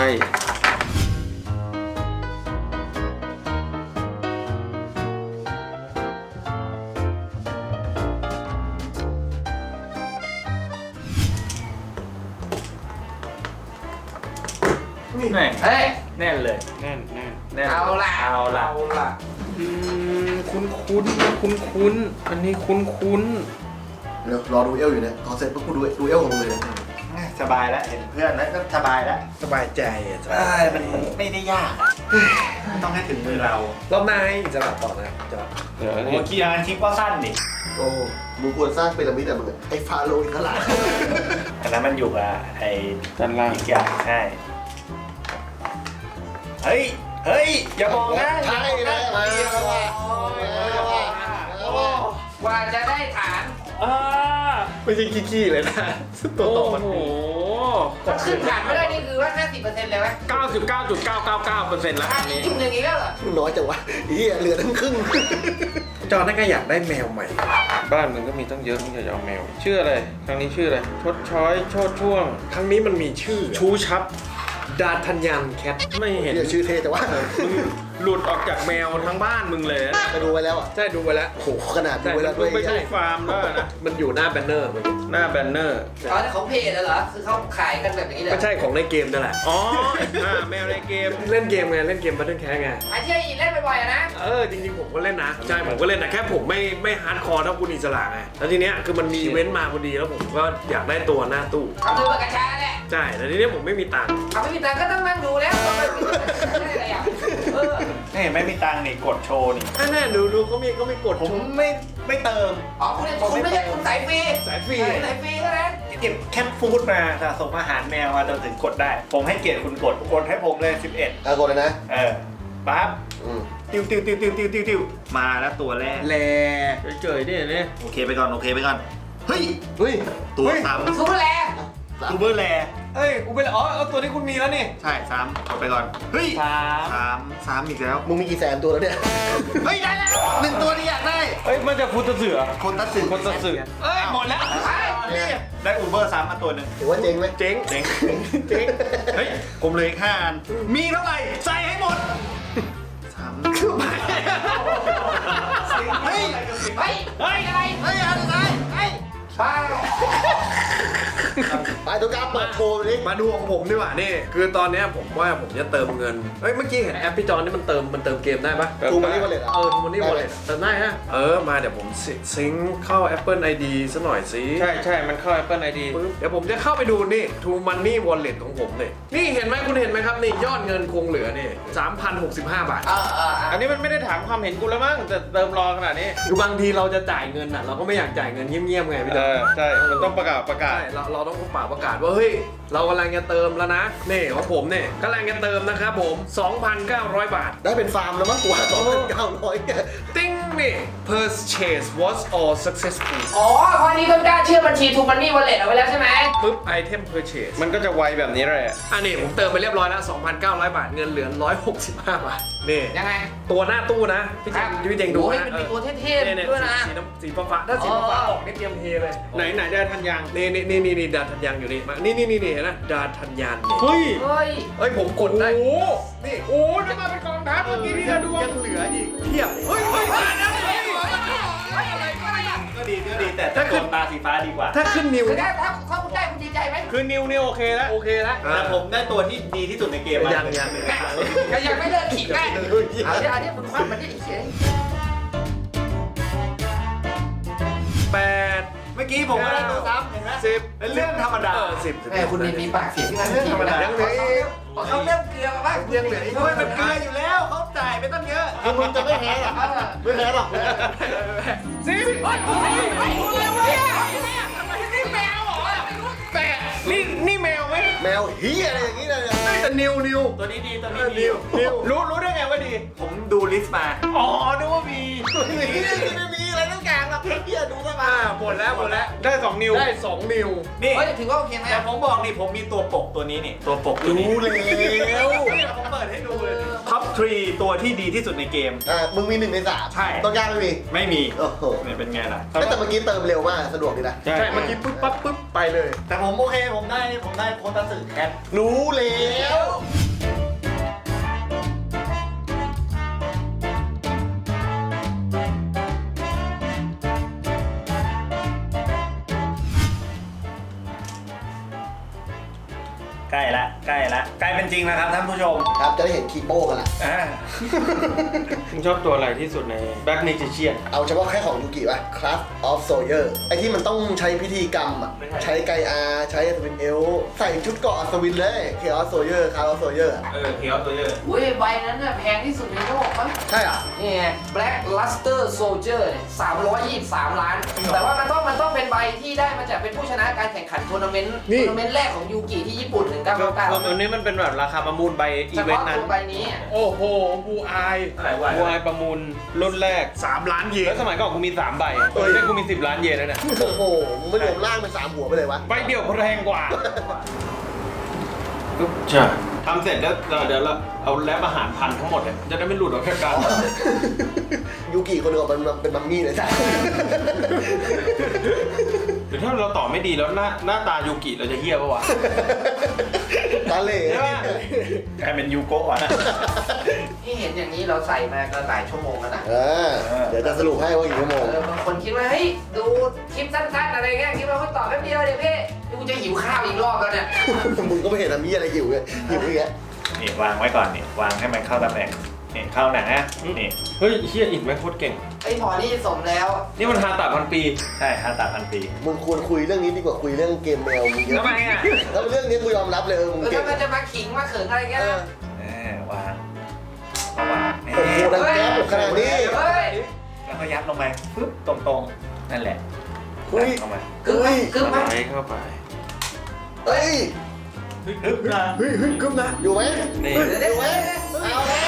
Speaker 3: แน่
Speaker 4: เฮ้ย
Speaker 3: แน่นเลย
Speaker 2: แน่นแน่น
Speaker 3: แน่น
Speaker 4: เอาล่ะ
Speaker 3: เอาล่ะ
Speaker 5: เอาล่ะ
Speaker 2: อืมคุ้นคุ้นคุ้นคุ้นๆอันนี้คุ้นคุ้น
Speaker 1: เดี๋ยวรอดูเอลอยู่เนี่ยพอเสร็จปุ๊บกูดูดูเอลของมึงเลยนะ
Speaker 2: ๆ
Speaker 3: สบายแล้วเห็นเพื่อนแล้วก็สบายแล้ว
Speaker 6: สบายใจอ่ะ
Speaker 3: เอ้ยมันไม่ได้ยากอะต้องให้ถึงมือเรา
Speaker 6: รอบหน้าให้อิสระต่อนะจอ
Speaker 2: เดี๋ยว
Speaker 3: โอ้
Speaker 2: นี่
Speaker 3: คีย์งานคลิปก็สั้นดิ
Speaker 1: โอ้มึงควรสร้างพีระมิดอะมึงอะไอ้ฟาโรห์อีกขนาด
Speaker 3: อันนั้นมันอยู่กับไอ้
Speaker 2: ด้านล่าง
Speaker 3: อีกอย่างใช่เฮ้ยเฮ้ยอย่ามองนะ
Speaker 1: ใช่เลยมาแล้วว่ะมาแล้วว่ะมาแล้วว่ะ
Speaker 4: กว่าจะได้ฐาน
Speaker 2: อ่า
Speaker 6: ไม่ใช่ขี้ๆเลยนะตัว
Speaker 2: โอ้
Speaker 6: ต่อมัน
Speaker 2: โห
Speaker 4: ถ้าขึ้นฐานไม่ได้นี่คือว่า ห้าสิบเปอร์เซ็นต์ เลยไหม
Speaker 2: เก้าสิบเก้าจุดเก้าเก้าเก้าเปอร์เซ็นต์แล้ว
Speaker 4: อ่ะ
Speaker 2: อัน
Speaker 4: นี่
Speaker 2: นี้
Speaker 4: จุดหนึ่งอีกแล้วเหรอ
Speaker 1: น้อยจังวะเฮียเหลือทั้งครึ่ง
Speaker 6: จอนั่นก็อยากได้แมวใหม่
Speaker 2: บ้านมึงก็มีตั้งเยอะมึงอยากจะเอาแมว ชื่ออะไร ครั้งนี้ชื่ออะไร ชดช้อยโชดช่วง
Speaker 6: ครั้งนี้มันมีชื่อ
Speaker 2: ชูชับ
Speaker 6: ดาทันยันแคท
Speaker 2: ไม่เห็น
Speaker 1: เฮียชื่อเท่แต่ว่า
Speaker 2: หลุดออกจากแมวทั้งบ้านมึงเลยนะ
Speaker 1: ไปดูไปแล้วอ่ะ
Speaker 6: ใช่ดูไปแล้ว
Speaker 1: โอ้โหขนาดดู
Speaker 2: แต่
Speaker 1: ไปแล้ว
Speaker 2: มึ
Speaker 1: ด้ว
Speaker 2: ง
Speaker 1: ย
Speaker 2: ไปดูฟาร์มแล้วนะ
Speaker 6: มันอยู่หน้าแบนเนอร์มัน
Speaker 2: หน้าแบนเนอร์
Speaker 4: อ๋อแต่ของเพจเหรอ คือเขาขายกันแบบนี้เลย
Speaker 6: ไม่ใช่ของในเกมนั่นแหละ
Speaker 2: อ๋ออ่าแมวในเกม
Speaker 6: เล่นเกมไงเล่นเกมบัตเทิลแคสไง
Speaker 4: ไอ้ที่อีเล่นบ่อยๆอะนะ
Speaker 6: เออจริงๆผมก็เล่นนะใช่ผมก็เล่นนะแค่ผมไม่ไม่ฮาร์ดคอร์เท่าคุณอิสระไงแล้วทีเนี้ยคือมันมีอีเว้นต์มาพอดีแล้วผมก็อยากได้ตัวหน้าตู้
Speaker 4: เขาคือปากกาชาแหละ
Speaker 6: ใช่แต่ทีเนี้ยผมไม่มีตังค์
Speaker 4: เขาไม่มีตังค์ก็ต้องนั่งดูแล้วต้องไปซื้อได้อะไรอ่ะเออ
Speaker 3: นี่ไม่มีตังค์นี่กดโชว์นี่
Speaker 6: อ่ะแน่ดูดูเขามีเขามีกด
Speaker 3: ผมไม่ไม่เติม
Speaker 4: อ๋อคุณคุณไม่ใช่คุณสายฟรี
Speaker 6: สายฟรี
Speaker 4: คุณสายฟรีเท่านั้น
Speaker 3: เก็บแคทฟู้ดมาสะสมอาหารแมวมาจนถึงกดได้ ผมให้เกียรติคุณกดกดให้ผมเลยสิบเอ็ด
Speaker 1: อ่ะกดเลยนะ
Speaker 3: เออปั๊บ
Speaker 1: อืม
Speaker 3: ติวติวติวติวติวติวติวมาแล้วตัวแรก
Speaker 6: แล
Speaker 2: เฉยๆดิเนี่ย
Speaker 3: โอเคไปก่อนโอเคไปก่อนเฮ้ย
Speaker 1: เฮ้ย
Speaker 3: ตัว
Speaker 6: เฮ้ย
Speaker 3: ซ้
Speaker 4: ซูเปอร์แล
Speaker 3: ำตูเบอร์แล
Speaker 6: เอ้ยอุเบลอ๋อเอาตัวที่คุณมีแล้วนี่
Speaker 3: ใช่ซ้ำกดไปก่อนเฮ้ย
Speaker 6: สาม
Speaker 3: ซ้ำซ้ำอีกแล้ว
Speaker 1: มึงมีกี่แสนตัวแล้วเนี่ย
Speaker 3: เฮ้ยได้แล้วหนึ่งตัวที่อยากได้
Speaker 2: เอ้ยมันจะพุทธเสือ
Speaker 3: คนตัดสิน
Speaker 2: คนตัดเสือ
Speaker 6: เอ้ยหมดแล้ว
Speaker 3: นี่ได้อูเบอร์ซ้ำมาตัวหนึ่ง
Speaker 1: ถือว่าเจ๊งไหม
Speaker 6: เจ๊ง
Speaker 3: เจ๋งเจ๋งเฮ้ยผมเหลยห้าอันมีเท่าไหร่ใส่ให้หมดซ้ำเฮ้ย
Speaker 4: เฮ้ยเฮ้ยอะไร
Speaker 3: เฮ้ยอะไรเฮ้ย
Speaker 4: บ้า
Speaker 1: ไปตัวกล้าเปิดโชว์ไปดิ
Speaker 6: มาดูของผมดีกว่านี่คือตอนเนี้ยผมว่าผมจะเติมเงินเฮ้ยเมื่อกี้เห็นแอปพี่จอนนี่มันเติมมันเติมเกมได้ปะ
Speaker 1: ทูมานี่วอลเล็ตอ่ะ
Speaker 6: เออทูมันนี่วอลเล็ตเติมได้ฮะเออมาเดี๋ยวผมซิงค์เข้า Apple ไอ ดี ซะหน่อยสิ
Speaker 2: ใช่ใช่มันเข้า Apple ไอ ดี
Speaker 6: ปึ๊บเดี๋ยวผมจะเข้าไปดูนี่ True Money Wallet ของผมนี่นี่เห็นไหมคุณเห็นไหมครับนี่ยอดเงินคงเหลือนี่สามพันหกสิบห้าบาท
Speaker 4: เออเออ
Speaker 2: อันนี้มันไม่ได้ถามความเห็นกูแล้วมั้งแต่เติมรอขนาดนี้
Speaker 6: คือบางทีเราจะจ่ายเงินอ่ะเราก็ไม่อยากจ่ายเงินเงียบๆไงพี่จ
Speaker 2: เอ
Speaker 6: อน
Speaker 2: อใช่ มันต้องประกาศประกาศ
Speaker 6: ใช่เราเราต้องป่าประกาศว่าเฮ้ยเรากำลังจะเติมแล้วนะนี่ของผมเนี่ยกำลังจะเติมนะครับผม สองพันเก้าร้อย บาท
Speaker 1: ได้เป็นฟาร์มแล้วมั้งกว่าสองพันเก้าร้อยเนี่ย
Speaker 6: ติ้งนี่ purchase was all successful
Speaker 4: อ๋อเพราะนี้ต้นกล้าเชื่อบัญชีทูมันนี่วอลเล็ตเอาไว้แล้วใช่ไหม
Speaker 6: ปึ๊บ item purchase
Speaker 2: มันก็จะไวแบบนี้แหละ
Speaker 6: อันนี้ผมเติมไปเรียบร้อยแล้ว สองพันเก้าร้อย บาทเงินเหลือหนึ่งร้อยหกสิบห้า บาทนี่
Speaker 4: ยังไง
Speaker 6: ตัวหน้าตู้นะพี่เจงพี่เจงดู
Speaker 4: โอ้ย
Speaker 6: นะ
Speaker 4: มันมีตัวเท่
Speaker 6: เนี่ยเนี่ย
Speaker 4: ๆด้วยนะ
Speaker 6: สีน้ำสีฟ้าๆถ้าสีฟ้าๆออกนี่เตรียมเทเลย
Speaker 2: ไหนไหนได้ทันยัง
Speaker 6: นี่นี่นี่นี่นี่ดาทันยังอยู่นี่มานี่นี่นี่นี่เห็นนะดาทันยันนี่
Speaker 2: เฮ้ย
Speaker 4: เฮ้ย
Speaker 6: เอ้ยผมกดได้
Speaker 2: โอ้โห
Speaker 6: นี่
Speaker 2: โอ้โหจะมาเป็นกองทัพเมื่อกี้ที่เราดู
Speaker 6: ยังเหลืออีกเพียบเฮ้ยเฮ้ย
Speaker 3: ก็ดีก็ดีแต่ถ้าเกิดตาสีฟ้าดีกว่า
Speaker 6: ถ้าขึ้นนิ้ว
Speaker 4: คือถ้าถ้าถ้าคุณได้คุณดีใจไหม
Speaker 2: คือนิวนี่โอเคแล้ว
Speaker 6: โอเคแล้ว
Speaker 3: แต่ผมได้ตัวที่ดีที่สุดในเกมมา
Speaker 6: ยังยัง
Speaker 4: ก็ยังไม่เลิกขิงได้เอาเดี๋ยวเอาเดี๋ยวมึงคว้ามันได้เฉย
Speaker 6: แปด
Speaker 3: เมื่อกี้ผมก็ได้ตัวซ้ำเห็นไหม
Speaker 6: สิบ
Speaker 3: เป็นเรื่องธรรมดา
Speaker 6: เออสิบสิบ
Speaker 4: แม่คุณมีมีปากเสียงที่มัน
Speaker 3: เรื่องธรรมดา
Speaker 6: ยังเหลืออีก
Speaker 4: เขาเริ่มเกลือมาบ้าง
Speaker 6: ยังเหลืออีก
Speaker 3: เฮ้ยมันเกินอยู่แล้วเขาจ่ายไปตั้งเยอะ
Speaker 1: คือมึงจะไม่แพ้หรอกไม่แพ้หรอก
Speaker 6: สิบ
Speaker 2: แต่นี่นี่แมวไหม
Speaker 1: แมวเฮียอะไรอย่างงี้เลยเนี่ย
Speaker 6: แต่นิวนิว
Speaker 3: ตัวนี้ดีตัว
Speaker 6: เอ
Speaker 3: นี้
Speaker 6: อ
Speaker 3: ดี
Speaker 6: นิวนิว
Speaker 2: รู้รู้ได้ไงว่าดี
Speaker 3: ผมดูลิสต์มา
Speaker 2: อ๋อนึกว่ามี
Speaker 1: ไม่มีอะไรต้องการหรอกเฮียดูซะมา
Speaker 6: อ่าหมดแล้วหมดแล้ว
Speaker 2: ได้สองนิว
Speaker 6: ได้สองนิว
Speaker 3: นี่
Speaker 4: เฮ้ยถือว่าโอเคไหม
Speaker 3: แต่ผมบอกนี่ผมมีตัวปกตัวนี้นี่ตัวปกตัวนี้
Speaker 1: รู้แล้ว
Speaker 3: นี่ผมเปิดให้ดูเลยท็อปทรีตัวที่ดีที่สุดในเกม
Speaker 1: อ่ะมึงมีหนึ่งในสาม
Speaker 3: ใช่
Speaker 1: ต้องกล้าไม่มี
Speaker 3: ไม่มี
Speaker 1: โอ้โห
Speaker 3: เนี่ยเป็นไงล่ะ
Speaker 1: แต่เมื่อกี้เติมเร็วมากสะดวกดีนะ
Speaker 2: ใช่
Speaker 6: ใช่เมื่อกี้ปุ๊บปั๊บปุ๊บไปเลย
Speaker 3: แต่ผมโอเคผมได้ผมได้โคตัสึแคท
Speaker 1: รู้แล้ว
Speaker 3: กล้ละใกล้ละใกล้เป็นจริงแล้วครับท่านผู้ชม
Speaker 1: ครับจะได้เห็นคีโป้กันละ
Speaker 3: อ่า
Speaker 2: มึงชอบตัวอะไรที่สุดในแบ็กเมจิเชียน
Speaker 1: เอาเฉพาะแค่ของยูกิป่ะ Craft of Sawyer ไอที่มันต้องใช้พิธีกรรมอ่ะ ใช้ไกอาใช้สวินเอลใส่ชุดเกราะอัศวินเลย Chaos Sawyer Craft of Sawyer
Speaker 2: เออเคียวตัวเยอะ
Speaker 4: อุ้ยใบนั้นน่ะแพงที่สุดในโลกมั้ง
Speaker 1: ใช่อ่ะ
Speaker 4: นี่ไง Black Luster Soldier เนี่ยสามร้อยยี่สิบสามล้าน แต่ว่ามันต้องมันต้องเป็นใบที่ได้มาจากเป็นผู้ชนะการแข่งขันทัวร์นาเมนต์
Speaker 1: นี่
Speaker 4: ทัวร์นาเมนต์แรกของยูกิที่ญี่ปุ่นหนึ่งเก้า
Speaker 2: คือ
Speaker 4: เก้าเก้า
Speaker 2: คืออันนี้มันเป็นแบบราคาประมูลใบอี
Speaker 4: เฉ
Speaker 2: เวน
Speaker 4: พาะ
Speaker 2: ต์นั้น
Speaker 4: ตัวใบนี้อะ
Speaker 2: โอ้โหบูอาย
Speaker 6: อะไรวะ
Speaker 2: บูอายประมูลรุ่นแรก
Speaker 3: สามล้านเย
Speaker 2: แล้
Speaker 3: น
Speaker 2: วสมัยก่อนกูมีสามใบเออเนี่ยกูมีสิบล้านเยนแล้วเนี่ย
Speaker 1: โอ้โหมึงไม่รวมล่างเป็นสามหัวไปเลยวะ
Speaker 2: ใบเดียวแพงกว่าใช่ทำเสร็จแล้วเดี๋ยวเราเอาแลบอาหารพันทั้งหมดเนี่ยจะได้ไม่หลุดออกจากกัน
Speaker 1: ยูกิคนเดียวมันเป็นมัมมี่เลยใช่
Speaker 2: หรือถ้าเราต่อไม่ดีแล้วหน้าหน้าตายูกิเราจะเฮี้ยปะวะ
Speaker 1: ตาเหล่
Speaker 2: ใช่ปะ
Speaker 3: กลายเป็นยูโกะอ่ะ
Speaker 4: ที่เห็นอย่างนี้เราใส่มาก็หลายชั่วโมงแล้วนะ
Speaker 1: เออเดี๋ยวจะสรุปให้ว่ากี่ชั่วโมง
Speaker 4: เออบางคนคิดว่าเฮ้ยดูคลิปสั้นๆอะไรเงี้ยคิดว่าเขาตอบแป๊บเดียวเดี๋ยวพี่กูจะหิวข้าวอีกรอบแล้วเนี่ย
Speaker 1: มึงก็ไม่เห็นมีอะไรหิวเลยหิวอย่างเงี้ย
Speaker 3: นี่วางไว้ก่อนนี่วางให้มันเข้าตำแหน่งนี่เข้าหนังนะนี่
Speaker 2: เฮ้ยเฮี้ยอินแม่งโคตรเก่ง
Speaker 4: ไอ้หมอนี่สมแล้ว
Speaker 2: นี่มันฮาตาพันปี
Speaker 3: ใช่ฮาตาพันปี
Speaker 1: มึงควรคุยเรื่องนี้ดีกว่าคุยเรื่องเกมแมวมึงเยอะ
Speaker 3: ทำไมอ่ะ
Speaker 1: แล้วเรื่องนี้กูยอมรับเลยเออมึง
Speaker 4: เออ
Speaker 1: เก่
Speaker 4: ถ้าง มันจะมาขิงมาเขิงอะไรเงี้ยนะ
Speaker 3: แหมวางเอาวาง
Speaker 1: โอ้โหดังแก๊บขนาดนี้
Speaker 4: เฮ้ย
Speaker 3: แล้วก็ยัดลงไปปึ๊บตรงๆนั่นแหละ
Speaker 1: เฮ้ย
Speaker 3: ยัดลงไป
Speaker 4: กึ๊บไหมกึ๊บไหม
Speaker 2: ไปเข้าไป
Speaker 1: เฮ้ย
Speaker 3: ปึ๊บนะ
Speaker 1: เฮ้ยเฮ้ยกึ๊บนะอยู่ไหม
Speaker 2: นี่
Speaker 4: เดี๋ยว
Speaker 1: อยู่ไหมเอาแล้ว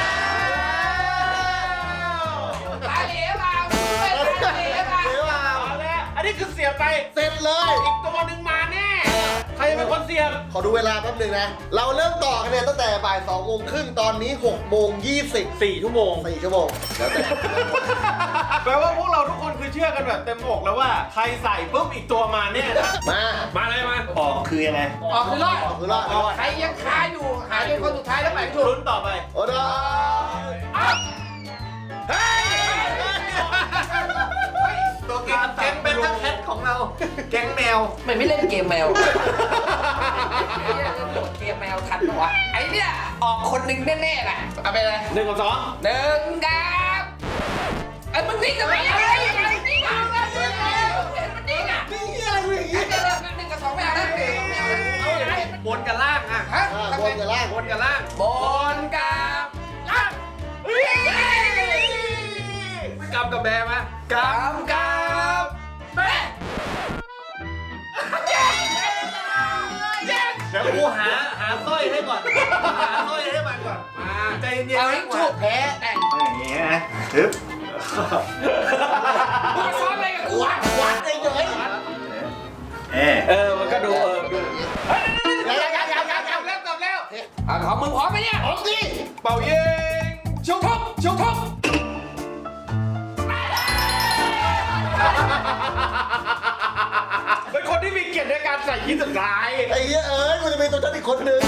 Speaker 4: ตายเหลวเปล่าตายเหลวเปล่า
Speaker 1: เดี๋ยวเอา
Speaker 2: เอาแล้วอันนี้คือเสียบไป
Speaker 1: เสร็จเลย
Speaker 2: อีกตัวหนึ่งมาแน่ ใครเป็นคนเสียบ
Speaker 1: ขอดูเวลาแป๊บหนึงนะ เราเริ่มต่อกันเนี่ยตั้งแต่บ่ายสองโมงครึ่งตอนนี้หกโมงยี่สิบ
Speaker 2: สี่ชั่วโมง
Speaker 1: สี่ชั่วโมงแล้วแต่
Speaker 2: แปลว่าพวกเราทุกคนคือเชื่อกันแบบเต็มอกแล้วว่า ใครใส่ปุ๊บอีกตัวมาแน่นะ
Speaker 1: มา
Speaker 2: มาเลยมา
Speaker 3: ออกคือยังไง
Speaker 4: ออกคือรอด
Speaker 1: คือรอดรอด
Speaker 4: ใครยังคาอยู่หาจนคนสุดท้ายแล้วไปถูก
Speaker 2: ลุ้นต่อไป
Speaker 1: โอ้ดอ
Speaker 2: เฮ้ย
Speaker 5: ตัวแก๊งแก๊งเป็นทั้งแคทของเรา แก๊งแมว
Speaker 4: ไม่ไม่เล่นเกมแมวไอ้เนี่ยเล่นเกมแมวทันปะวะไอ้เนี่ยออกคนหนึ่งแน่ๆแหละเอาไปเลย
Speaker 2: หนึ่งกับสอง
Speaker 4: หนึ่งกับไอ้มึงนิ่งทำไมอะไรอะไรนิ่งเอาละนิ่งเอาเห็นมันนิ่งอ่ะ
Speaker 1: นี่อะไรมึงอย่าง
Speaker 4: ไอ้
Speaker 1: งี้
Speaker 4: เดี๋ยวหนึ่งกับสองไม่เอานะไม่เอานะเอาอย่างไร
Speaker 2: บนกับล่างอ่ะ
Speaker 4: ฮะ
Speaker 1: อ่าบนกับล่าง
Speaker 2: บนกับล่าง
Speaker 4: บนกับล่าง
Speaker 2: กำกับแบร์มา
Speaker 4: กับกับแม่
Speaker 2: เดี๋ยวกูหาหาสร้อยให้ก่อน หาสร้อยให้มันก่อน มาใจเย็น
Speaker 4: เอา
Speaker 2: ๆ
Speaker 4: ให้ถูกแพ้แต่ง
Speaker 3: เอาอย่างนี้นะปึ๊บ
Speaker 4: มึงมาซ้อนอะไรกับกูวะ
Speaker 1: วัดเฉย
Speaker 3: เอ๊ะ
Speaker 2: เออ มันก็ดูเออดู
Speaker 1: ๆยังยังยังยังยัง
Speaker 2: กลับแล้วกลับแล้ว
Speaker 4: อ่ะของมึงพร้อมไหมเนี่ย
Speaker 1: พร้อมสิ
Speaker 2: เป่ายิงชุบชุบชุบเป็นคนที่มีเกียรติในการใส่ยิ้มสุดท้าย
Speaker 1: ไอ้เหี้ยเอ้ยมันจะมีตัวฉันอีกคนหนึ่ง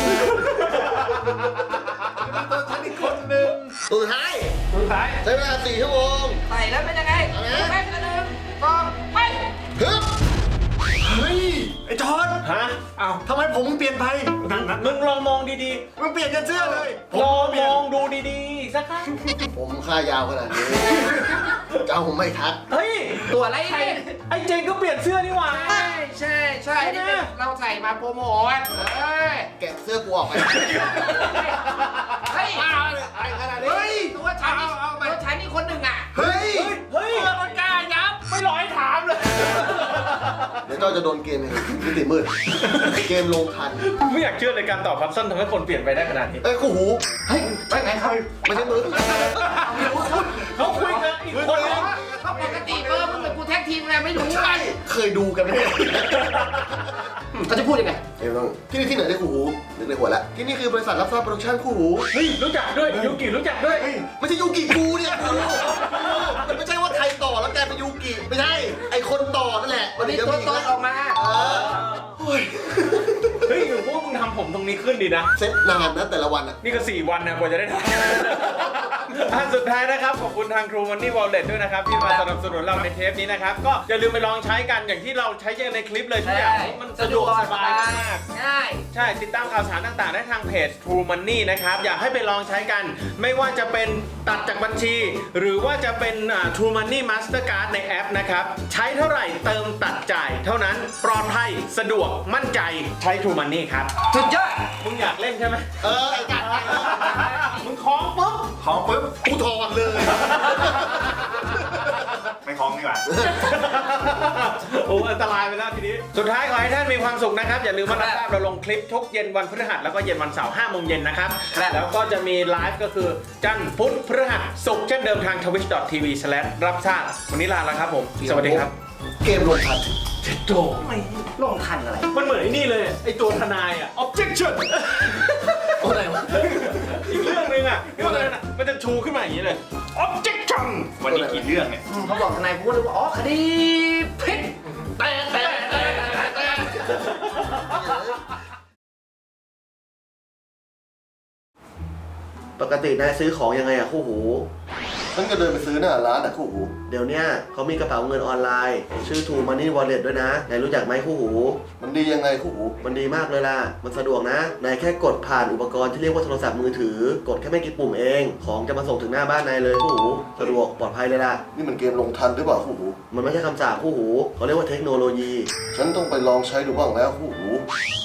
Speaker 5: ตัวฉันอีกคนนึง
Speaker 1: ตัวสุดท้าย
Speaker 2: สุดท้าย
Speaker 1: ใช้เวลาสี่ชั่วโมง
Speaker 4: ใส่แล้วเป็นยังไง
Speaker 1: เอานะ
Speaker 4: แป๊บนึงสองไป
Speaker 1: ฮึบ
Speaker 3: เฮ้ยไอ้จอน
Speaker 2: ฮะอ้าว
Speaker 3: ทำไมผมเปลี่ยนไปนั่นนั่น
Speaker 2: มึงลองมองดี
Speaker 3: มึงเปลี่ยนกันเสื้อเลย
Speaker 2: ๆ ลองมองดูดีๆ สักครั้ง
Speaker 1: ผมค่ายาวขนาดนี้จะเอาผมไม่ทัก
Speaker 2: เฮ้ย
Speaker 4: ตัวอะไร
Speaker 2: ไอ้
Speaker 4: เนี่ย
Speaker 2: ไอ้เจนก็เปลี่ยนเสื้อนี่หว่า
Speaker 4: ใช่ใช่ใช่นี่เป็นเราใส่มาโปรโมทเอ้ย
Speaker 1: แกะเสื้อกูออกไป
Speaker 4: เฮ้ย
Speaker 1: ไอ้ขนาดนี้
Speaker 4: เฮ้ยตัวฉันนี่ตัวฉันนี่คนหนึ่งอ่ะ
Speaker 1: เฮ้ย
Speaker 2: เฮ้ยมันกล้ายับ ไม่รอให้ถามเลย
Speaker 1: เดี๋ยวเจ้าจะโดนเกมมิติมืด เกมลงทัน
Speaker 2: ไม่อยากเชื่อเลยการตอบพับสั้นทำให้คนเปลี่ยนไปได้ขนาดนี้
Speaker 1: เอ้ยกูหู
Speaker 4: เฮ้ยไปไหนครับ
Speaker 1: ไม่ใช่มือ
Speaker 2: เขาคุยกันอีกคนนึง
Speaker 4: เขาปกติเบอร์มึงเป็นกูแท็กทีมไงไม่รู้ไง
Speaker 1: เคยดูกันไหมเนี่ย
Speaker 4: เขาจะพูดยังไง
Speaker 1: เดี๋ยวลองที่นี่ที่ไหนได้คู่หูนึกในหัวแล้วที่นี่คือบริษัทรับทราบโปรดักชั่นคู่หู
Speaker 2: เฮ้ย รู้จักด้วย ยูกิรู้จักด้วย
Speaker 1: ไม่ใช่ยูกิกูเนี่ยกูมันไม่ใช่ว่าไทยต่อแล้วกลายเป็นยูกิไม่ใช่ไอคนต่อนั่นแหละ
Speaker 4: วันนี้ตัวตนออกมา
Speaker 1: เออโอ้ย
Speaker 2: เฮ้ยพวกมึงทำผมตรงนี้ขึ้นดีนะ
Speaker 1: เซ็ตนานนะแต่ละวันอะ
Speaker 2: นี่ก็สี่วันนะกว่าจะได้ทำอันสุดท้ายนะครับขอบคุณทาง True Money Wallet ด้วยนะครับที่มาสนับสนุนเราในเทปนี้นะครับก็อย่าลืมไปลองใช้กันอย่างที่เราใช้กันในคลิปเลยทุกอย่างมันสะดวกสบายมาก
Speaker 4: ง่าย
Speaker 2: ใช่ติดตามข่าวสารต่างๆ ได้ทางเพจ True Money นะครับ อยากให้ไปลองใช้กัน ไม่ว่าจะเป็นตัดจากบัญชี หรือว่าจะเป็นอ่า True Money Mastercard ในแอปนะครับ ใช้เท่าไหร่เติมตัดจ่ายเท่านั้นปลอดภัยสะดวกมั่นใจใช้ True Money ครับ
Speaker 4: สุดยอด
Speaker 2: มึงอยากเล่นใช่ไหม
Speaker 1: เออไอ้กัด
Speaker 2: มึงคล้องปุ๊บ
Speaker 3: ของปุ๊บ
Speaker 1: กูถอดเลย
Speaker 3: ไม่คล้องดีกว่า
Speaker 2: โอ้อันตรายไปแล้วทีนี้ สุดท้ายขอให้ท่านมีความสุขนะครับ อย่าลืมมารับทราบเราลงคลิปทุกเย็นวันพฤหัสแล้วก็เย็นวันเสาร์ห้าโมงเย็นนะครับ
Speaker 4: ครับ
Speaker 2: แล้วก็จะมีไลฟ์ก็คือจันทร์พุธพฤหัสศุกร์เช่นเดิมทาง ทวิช ดอท ที วี สแลช รับทราบวันนี้ลาแล้วครับผม สวัสดีครับ
Speaker 1: เกมลงทัน
Speaker 2: โต
Speaker 4: ลงทันอะไร
Speaker 2: มันเหมือนไอ้นี่เลย ไอ้ตัวทนายอ่ะ objection
Speaker 4: อะไรวะ
Speaker 2: อีกเรื่องหนึงอ่ะที่มันจะมันจะชูขึ้นมาอย่างนี้เลย objection
Speaker 3: วันนี้กี่เรื่องเนี่ย
Speaker 4: เขาบอกทนายพูดเลยว่าอ๋อคดีผิดแต่แต่แต่แต่
Speaker 1: ปกตินายซื้อของยังไงอะคู่หู
Speaker 5: ฉันก็เดินไปซื้อหน้าร้านอะคู่หู
Speaker 1: เดี๋ยวเนี้ยเขามีกระเป๋าเงินออนไลน์ ชื่อ True Money Wallet ด้วยนะ นายรู้จักไหมคู่หู
Speaker 5: มันดียังไงคู่หู
Speaker 1: มันดีมากเลยล่ะ มันสะดวกนะ นายแค่กดผ่านอุปกรณ์ที่เรียกว่าโทรศัพท์มือถือ กดแค่ไม่กี่ปุ่มเอง ของจะมาส่งถึงหน้าบ้านนายเลยคู่หู สะดวกปลอดภัยเลยล่ะ
Speaker 5: นี่มันเกมลงทันหรือเปล่าคู่หู
Speaker 1: มันไม่ใช่คำสาปคู่หู เขาเรียกว่าเทคโนโลยี
Speaker 5: ฉันต้องไปลองใช้ดูบ้างแล้วคู่หู